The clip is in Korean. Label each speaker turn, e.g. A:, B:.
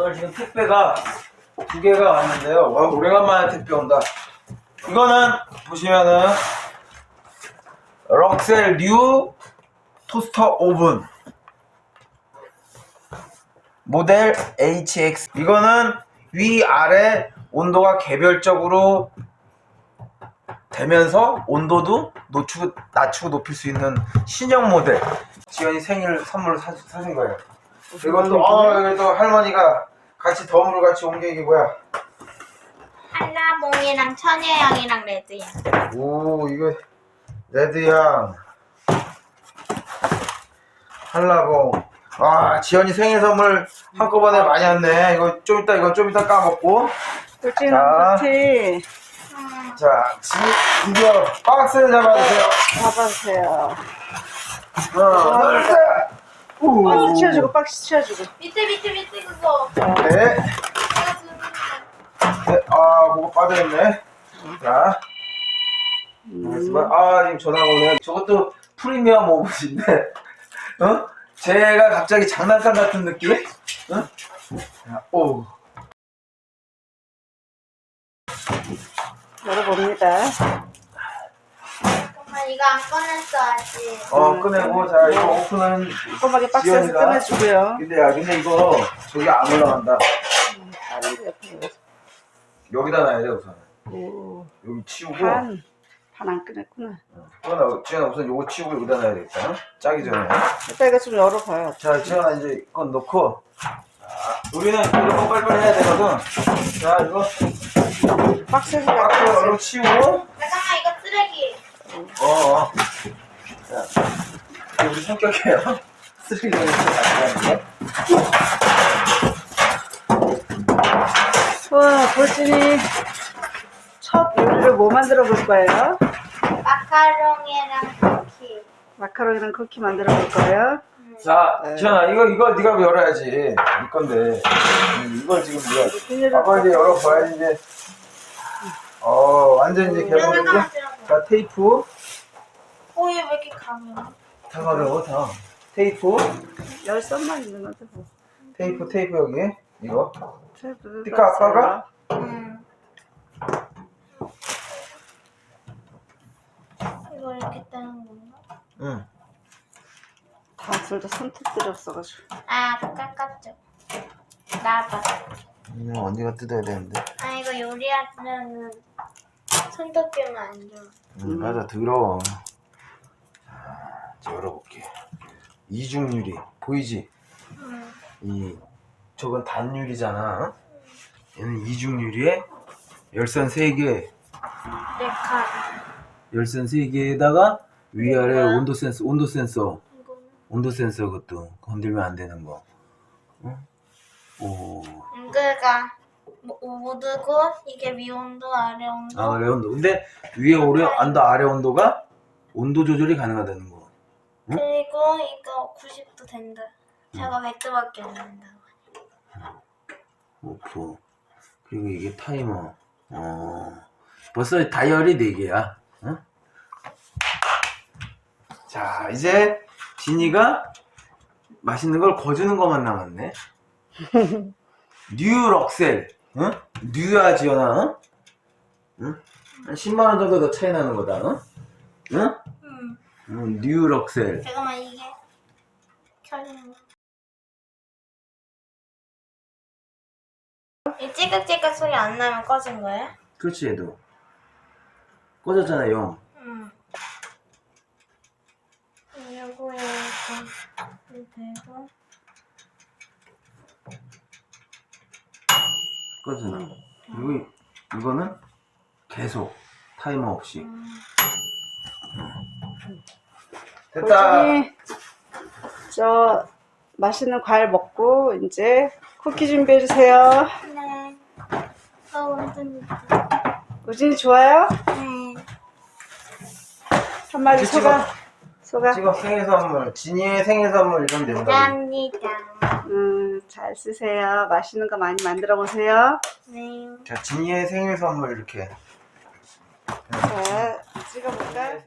A: 오늘 지금 택배가 2개가 왔는데요. 와, 오래간만에 택배 온다. 이거는 보시면은 럭셀 뉴 토스터 오븐 모델 HX. 이거는 위아래 온도가 개별적으로 되면서 온도도 낮추고 높일 수 있는 신형 모델. 지연이 생일 선물로 사준 거예요. 이것도 이것도 할머니가 같이 덤으로 같이 온 게 이게 뭐야?
B: 한라봉이랑 천혜향이랑 레드향.
A: 오, 이거 레드향 한라봉. 아, 지연이 생일 선물 한꺼번에 많이 왔네. 이거 좀 이따 까먹고.
C: 꿀찌는
A: 자, 드디어 박스를 잡아주세요.
C: 잡아주세요.
A: 하나, 둘, 셋.
C: 박스 치워주고, 박스 치워주고.
B: 밑에 그거.
A: 네. 네, 아, 그거 빠져있네. 자. 지금 전화가 오네. 저것도 프리미엄 오븐인데, 제가 갑자기 장난감 같은 느낌? 자, 오.
C: 열어봅니다.
B: 잠깐만, 이거 안 꺼냈어, 아직.
A: 꺼내고, 자, 이거 오픈은.
C: 꼼꼼하게 박스에서
A: 지연이가.
C: 꺼내주고요.
A: 근데 이거, 저기 안 올라간다.
C: 다른 데 옆에.
A: 여기다 놔야 돼, 우선.
C: 오,
A: 여기 치우고.
C: 판 안 꺼냈구나.
A: 지연아, 우선 요거 치우고 여기다 놔야 되겠다. 짜기 전에.
C: 일단 이거 좀 열어봐요.
A: 자, 지연아, 이제 이건 넣고. 자, 우리는 이거 빨리빨리 해야 되거든. 자, 이거.
C: 박스에서
A: 박스
C: 열어.
A: 얼른 치우고.
B: 잠깐만, 이거 쓰레기.
A: 자, 이게 우리 성격이에요. 쓰레기를 이렇게
C: 와, 꿀찌니 첫 요리를 뭐 만들어 볼 거예요?
B: 마카롱이랑 쿠키.
C: 마카롱이랑 쿠키 만들어 볼 거예요.
A: 자, 지연아, 이거 네가 열어야지. 네 건데. 이걸 지금 네가. 아빠 이제 열어봐야지, 이제. 완전 이제 개봉했고.
B: 잠깐만 들어봐.
A: 자, 테이프.
B: 얘 왜 이렇게 가면?
A: 다 가려워, 다. 테이프.
C: 열선만 있는 건데 뭐.
A: 테이프 여기. 이거.
C: 테이프
A: 띠까 아빠가?
B: 응. 이거 이렇게 따는 건가?
A: 응.
C: 다 둘 다 손톱들이 없어가지고.
B: 깎았죠. 나봐.
A: 언니가 뜯어야 되는데.
B: 이거 요리하면은 손톱 끼면 안 좋아.
A: 맞아, 더러워. 자, 이제 열어볼게. 이중유리. 보이지? 저건 단유리잖아. 얘는 이중유리에 열선 3개.
B: 레카.
A: 열선 3개에다가 위아래
B: 뭐야?
A: 온도 센서.
B: 이거는?
A: 온도 센서 그것도 건들면 안 되는 거. 오.
B: 그러니까 모두고 이게 위온도 아래 온도.
A: 아래 온도. 근데 위에 온도 아래 온도가 온도 조절이 가능하다는 거.
B: 그리고 이거 90도 된다. 제가 100도밖에 안 된다.
A: 오프. 그리고 이게 타이머. 벌써 다이얼이 4개야. 자, 이제 진이가 맛있는 걸 거주는 것만 남았네. 뉴 럭셀. 뉴야, 지연아. 한 10만원 정도 더 차이 나는 거다. 뉴 럭셀.
B: 잠깐만, 이게 켜지는 거. 이 찌깍찌깍 소리 안 나면 꺼진 거예요?
A: 그렇지, 얘도. 꺼졌잖아, 영.
B: 요거에 이렇게 되고.
A: 꺼졌나? 그리고 이거는 계속 타이머 없이. 됐다.
C: 꿀찌니 저 맛있는 과일 먹고 이제 쿠키 준비해 주세요.
B: 네. 완전
C: 꿀찌니 좋아요?
B: 네.
C: 한마디 소감.
A: 지금 생일 선물, 진이의 생일 선물 이러면 된다.
B: 감사합니다.
C: 잘 쓰세요. 맛있는 거 많이 만들어 보세요.
B: 네.
A: 자, 진이의 생일 선물 이렇게.
C: 자, 찍어볼까?